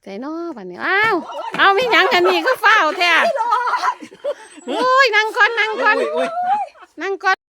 ใจน้อบัดนี้อ้าวเอามีหยังกันนี่ก็เฝ้าแท้โอ้ยนั่งก่อนนั่งก่อนนั่งก่อน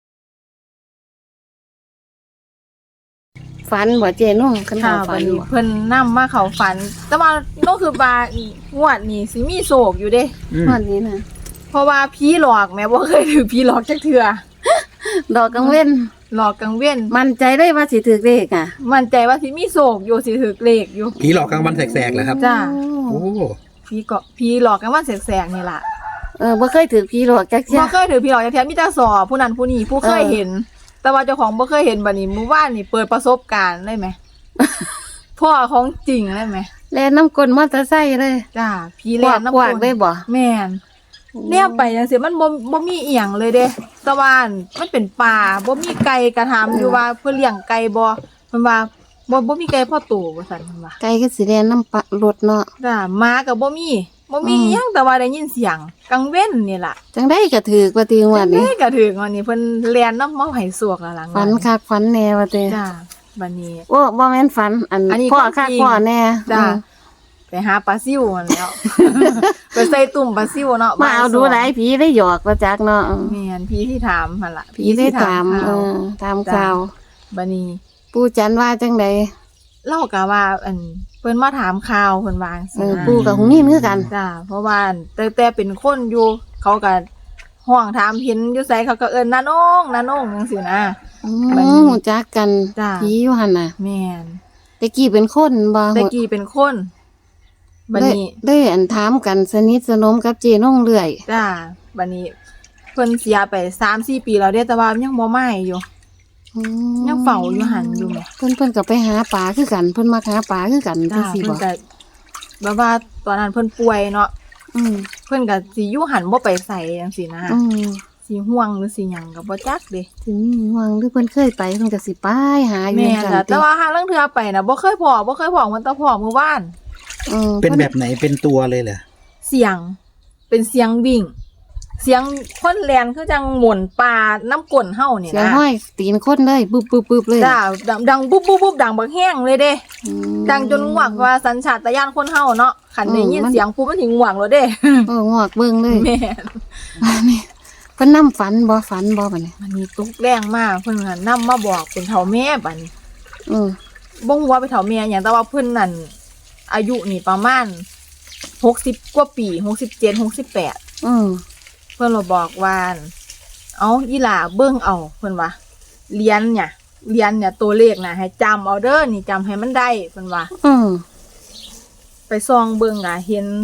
ฝันบ่เจน้องคันค่ะฝัวัน นนี้บ่เพิ่นนำมาเขาฝัน แต่ว่าน้องคือบางวดนี้สิมีโศกอยู่เด้วันนี้นะเพราะว่าผีหลอกแม่บ่เคยถือผีหลอกจักเทื่อดอกกังเว้นหลอกกลางเว้นมั่นใจได้ว่าสิถือเลขอ่ะมั่นใจว่าสิมีโศกอยู่สิถือเลขอยู่ผีหลอกกลางวันแสกๆเหรอครับจ้าโอ้ผีหลอกกันว่าแสกๆนี่ล่ะบ่เคยถือผีหลอกจักเที่ยบ่เคยถือผีหลอกจักเทื่อมีแต่สอบผู้นั้นผู้นี้ผู้เคยเห็น แต่ว่าเจ้าของบ่เคยเห็นบัดนี้มื้อวานนี่เปิดประสบการณ์ได้ไหม พ่อของจริงได้ไหมแล่นน้ำกลนมอเตอร์ไซค์เลยจ้าผีแล่นน้ำกวากได้บ่แม่นเนี่ยไปจังซี่มันบ่มีอีหยังเลยเด้แตะวันมันเป็นป่าบ่มีไก่กระถามอยู่ว่าเพิ่นเลี้ยงไก่บ่เพิ่นว่าบ่มีไก่พ่อโตว่าซั่นเพิ่นว่าไกลก็สิแล่นน้ำปะรถเนาะจ้าหมาก็บ่มีอิหยังแต่ว่าได้ยินเสียงกังเว้นนี่ล่ะจังได้ก็ถือกว่าติงวันนี้แม่ก็ถึงวันนี้เพิ่นแล่นน้ำมาให้สวกแล้วหลังฝันคักฝันแน่ว่าติจ้าบัดนี้โอ้บ่แม่นฝันอันนี้พ่อความคักจริงพ่อแน่จ้าอืมไปหาปลาซิวนั่นแล้ว ไปใส่ตุ่มปลาซิวเนาะมาเอาดูหลายผีได้หยอกว่าจักเนาะแม่นพี่ที่ถามหั่นล่ะผีได้ตามข่าวตามข่าวบัดนี้ปู่จันว่าจังใดเล่าก็ว่าเพิ่นมาถามข่าวเพิ่นว่าจังซี่นะปู่กับหงนี่คือกันจ้าเพราะว่าแต่เป็นคนอยู่เขาก็ห้องถามเห็นอยู่ไสเขาก็เอิ้นน้าน้องจังซี่นะ บัดนี้หูจักกันจ้ะผีอยู่หั่นน่ะแม่นแต่กี้เป็นคนบ่แต่กี้เป็นคนบัดนี้ได้อันถามกันสนิทสนมกับเจน้องเรื่อยจ้าบัดนี้เพิ่นเสียไป 3-4 ปีแล้วเด้แต่ว่ายังบ่มาอยู่อืมยังเฝ้าอยู่หันอยู่แหมเพิ่นก็ไปหาปลาคือกันเพิ่นมาหาปลาคือกันจัจ้างซี่เพิ่บ่นก็แบบว่าตอนนั้นเพิ่นป่วยเนาะอืมเพิ่นก็สิอยู่หันบ่ไปไสจังซี่นะอืมสิห่วงหรือสิหยังก็บ่จักเด้ถึงห่วงหรือเพิ่นเคยไปเพิ่นก็สิไปหาอยู่แม่นซั่ล่ะนแต่ว่าหาลางเทื่อไปน่ะบ่เคยพ้อมันแต่พ้อมื้อวานเป็นแบบไหนเป็นตัวเลยเหรอเสียงเป็นเสียงวิ่ง เสียงคนแล่นคือจังหมุนปลาน้ำก้นเฮานี่เสียงนะห้อยตีนคนเลยบึบๆๆเลยจ้าดังบุ๊บดังบักแห้งเลยเด้อืมดังจนงวกว่าสัญชาตญาณคนเฮาเนาะคันได้ยินมันเสียงปุ๊บมันสิงวกแล้วเด้งอกเบิ่งเลยแม่นเพิ่นนำฝันบ่บัดนี้มันมีตกแรงมากเพิ่นก็นำมาบอกเป็นเฒ่าแม่บัดนี้อืมบ่ฮู้ว่าเป็นเฒ่าแม่หยังแต่ว่าเพิ่นนั่นอายุนี่ประมาณ60กว่าปี67 68 อืมเพิ่นก็บอกว่าเอาอีหล่าเบิ่งเอาเพิ่นว่าเรียนเนี่ยตัวเลขน่ะให้จำเอาเด้อนี่จำให้มันได้เพิ่นว่าอืมไปส่องเบิ่งอ่ะเห็น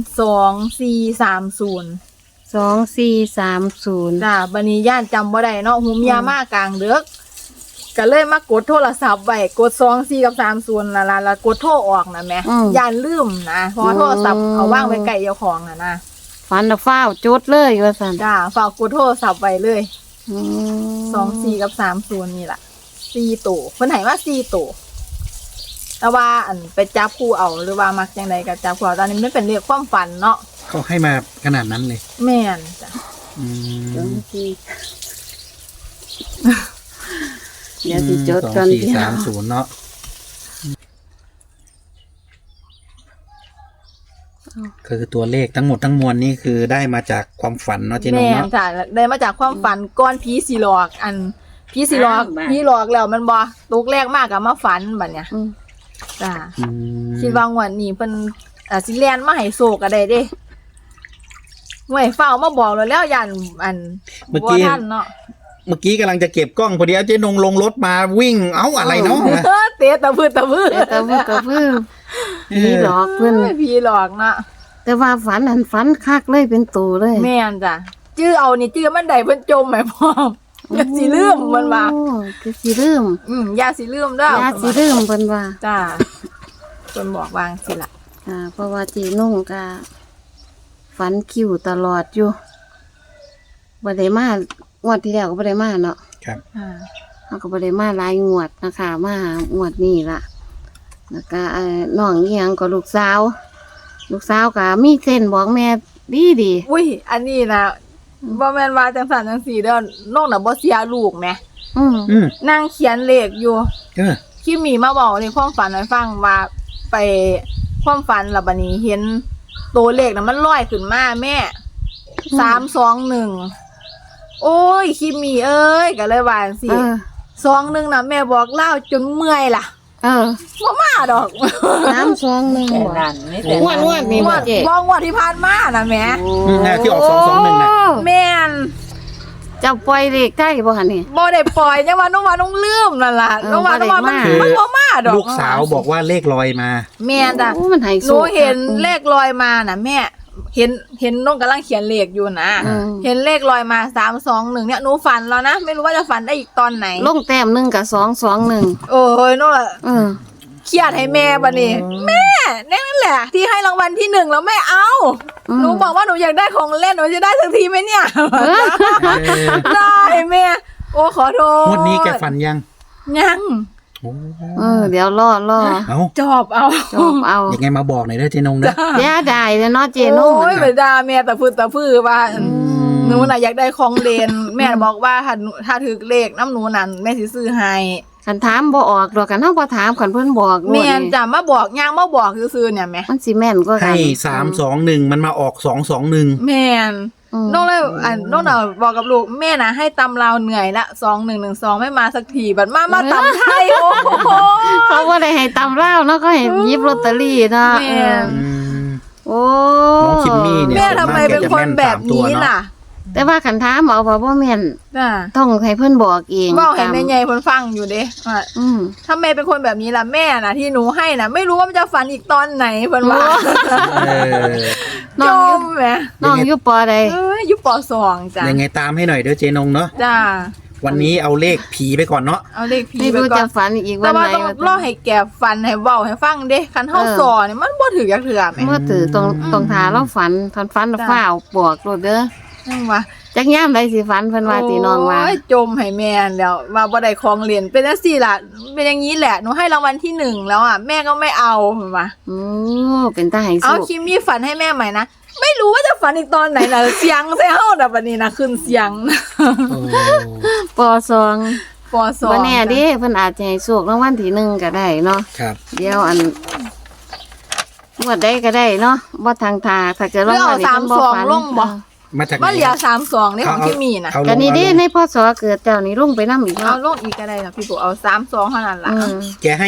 2430 2430 จ้าบัดนี้ย่านจำบ่ได้เนาะหุมยามากลางดึกก็เลยมากดโทรศัพท์ไว้กด24กับ30ล่ะแล้วกดโทรออกน่ะแหมย่านลืมนะเพราะว่าโทรศัพท์เอาวางไว้ใกล้เจ้าของน่ะนะฝันแล้วฟ้าวจดเลยว่าซั่นจ้าฝากกดโทรศัพท์ไว้เลยอืม 24กับ30นี่ล่ะ4ตัวเพิ่นให้มา4ตัวแต่ว่าไปจับคู่เอาหรือว่ามักจังไดก็จับคู่เอาตอนนี้มันเป็นเรื่องความฝันเนาะเขาให้มาขนาดนั้นเลยแม่นจ้ะอืมเดี๋ยวสิจดก่อน 2430เนาะคือตัวเลขทั้งหมดทั้งมวลนี่คือได้มาจากความฝันเนาะเจ๊นงแม่นเนาะจ้ะได้มาจากความฝันก้อนผีสิหลอกผีสิหลอกผีหลอกแล้วมันบ่ตกแรกมากก็มาฝันบัดเนี่ยอืมจ้าอืมคิดว่างวดนี้เพิ่นสิแล่นมาให้โศกก็ได้เด้หน่วยเฝ้ามาบอกแล้วย่านบ่ทันเนาะเมื่อกี้กำลังจะเก็บกล้องพอดีเจ๊นงลงรถมาวิ่งเอ้าอะไรเนาะเตะตะพื้นแต่ก็เพิ่นผีหลอกเพิ่นผีหลอกเนาะแต่ว่าฝันฝันคักเลยเป็นตัวเลยแม่นจ้ะจื้อเอานี่จื้อมันได้เพิ่นจมแหมพร้อมอย่าสิลืมมันว่าโอ้คือสิลืมอย่าสิลืมเด้ออย่าสิลืมเพิ่นว่าจ้าเพิ่นบอกวางสิล่ะเพราะว่าจีนุ่งก็ฝันคิวตลอดอยู่บ่ได้มางวดที่แล้วก็บ่ได้มาเนาะครับเขาก็บ่ได้มาหลายงวดนะคะมางวดนี้ล่ะแล้วก็น้องอีหยังก็ลูกสาวก็มีเส้นบอกแม่ดีอุ้ยอันนี้นะบ่แม่นว่าจังซั่นจังซี่เด้อน้องน่ะบ่เสียลูกแหมอืมอืมนั่งเขียนเลขอยู่เออคิมมี่มาบอกในความฝันให้ฟังว่าไปความฝันล่ะบัดนี้เห็นตัวเลขน่ะมันลอยขึ้นมาแม่321โอ้ยคิมมี่เอ้ยก็เลยว่าจังซี่21น่ะแม่บอกเล่าจนเมื่อยล่ะบ่มาดอก 321บ่นั่นนี่แต่งวดนี่บ่เจ๊บ่งวดที่ผ่านมาน่ะแม่ที่ออก221น่ะแม่นเจ้าปล่อยเลขได้บ่หั่นนี่บ่ได้ปล่อยจังว่าน้องลืมนั่นล่ะน้องว่ามันบ่มาดอกลูกสาวบอกว่าเลขลอยมาแม่นจ้ะโอ้มันให้หนูเห็นเลขลอยมาน่ะแม่เห็นน้องกำลังเขียนเลขอยู่นะเห็นเลขลอยมา321เนี่ยหนูฝันแล้วนะไม่รู้ว่าจะฝันได้อีกตอนไหนลงแต้ม1กับ221 โอ้ยน้องล่ะเครียดให้แม่บัดนี้แม่นั่นแหละ ที่ให้รางวัลที่1แล้วแม่เอาหนูบอกว่าหนูอยากได้ของเล่นหนูจะได้สักทีไหมเนี่ยได้แม่โอ้ขอโทษงวดนี้แกฝันยังยังเดี๋ยวรอเอ้าจอบเอายังไงมาบอกหน่อยเด้อเจนงนะย่าได้เนาะเจนุ่งโอ้ยไปด่าแม่ตะพื้นว่าหนูน่ะอยากได้ของเล่นแม่บอกว่าถ้าถือเลขน้ำหนูนั่นแม่สิซื้อให้คันถามบ่ออกดอกกันเฮาบ่ถามคันเพิ่นบอกแม่นจะมาบอกย่างมาบอกซื่อๆเนี่ยแม่มันสิแม่นกว่ากัให้น 321มันมาออก221 แม่นน้องเลยน้องน่ะบอกกับลูกแม่น่ะให้ตำลาวเหนื่อยละ2112ไม่มาสักทีบัดมาตำไทยโอ้โหเขาบ่ได้ให้ตำราวเนาะก็ให้หยิบลอตเตอรี่เนาะแม่นโอ้น้องคิมมี่เนี่ยแม่ทำไมเป็นคนแบบนี้ล่ะแต่ว่าคันถามเอาว่าบ่แม่นจ้ะต้องให้เพิ่นบอกเองบอกให้แม่ใหญ่เพิ่นฟังอยู่เด้ว่า ถ้าแม่เป็นคนแบบนี้ล่ะแม่น่ะที่หนูให้น่ะไม่รู้ว่ามันจะฝันอีกตอนไหนเพิ่นว่าน้จองมแหมน้องอยู่ปอใดอยู่ป .2 จ้ะยังไงตามให้หน่อยเด้อเจนงเนาะจ้าวันนี้เอาเลขผีไปก่อนเนาะเอาเลขผีไม่ไปรู้ก่อจะนฝันอีกวัแต่นว่าไหนต้องรอให้แกฟันให้เว้าให้ฟังเด้คันเฮาสอนี่มันบ่ถือจักเทื่อแหมเมื่อถือต้องทาเราฝันฝันฟ้าวบอกโลดเด้อจังว่าจักยามใดสิฝันเพิ่นว่าติน้องว่าโยจมให้แม่แล้วว่าบ่ได้ของเล่นเป็นจังซี่ล่ะเป็นอย่างนี้แหละหนูให้รางวัลที่1แล้วอ่ะแม่ก็ไม่เอาเพิ่นว่าโอ้เป็นตาให้เอาสุคิมมี่ฝันให้แม่ใหม่นะไม่รู้ว่าจะฝันอีกตอนไหนน่ะเสียงใส่เฮาน่ะบัดนี้นะขึ้นเสียงปอซองป .2 บ่แน่เด้เพิ่นอาจจะให้โชครางวัลที่1ก็ได้เนาะครับเดี๋ยวงวดใดก็ได้เนาะบ่ทางทาถ้าเกิดหรือเอานี่เพิ่นบ่ฝัน 32ลงบ่มาจากไหนมันเหลือ32นี่ของคิมมี่น่ะเอาลงก็นี่เด้เอาลงในพศเกิดเจ้านี่ลงไปนำอีกเอาเนาะลงอีกก็ได้ล่ะพี่ปู่เอา32เท่านั้นล่ะแกให้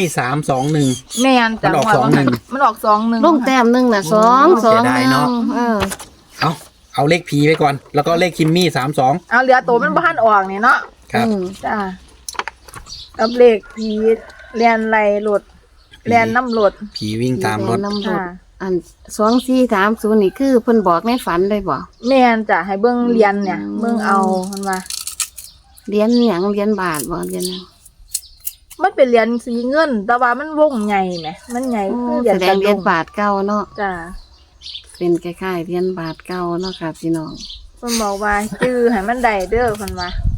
321 แม่นจ้ะมันออกว่า 21 มันออก21 ลงแต้มหนึงน่ะโอ้ 2 เสียดายเนาะ เอาเลขผีไปก่อน แล้วก็เลขคิมมี่32 เอาเหลือตัวมันบ่ทันออกนี่เนาะครับจ้ากับเลขผีเรียนไรรถเรียนน้ำรถผีวิ่งตามรถน้ำรถค่ะอัน2430นี่คือเพิ่นบอกในฝันเลยบ่แม่นจ้ะให้เบิ่งเรียนเนี่ยเบิ่งเอามันว่าเหรียญหยังเหรียญบาทบ่เหรียญหยังมันเป็นเหรียญสีเงิน แต่ว่ามันวงใหญ่แหมมันใหญ่คือเหรียญแสดงเหรียญบาทเก่าเนาะจ้ะเป็นคล้ายๆเหรียญบาทเก่าเนาะค่ะพี่น้องเพิ่นบอกว่าจื้อให้มันได้เด้อเพิ่นว่า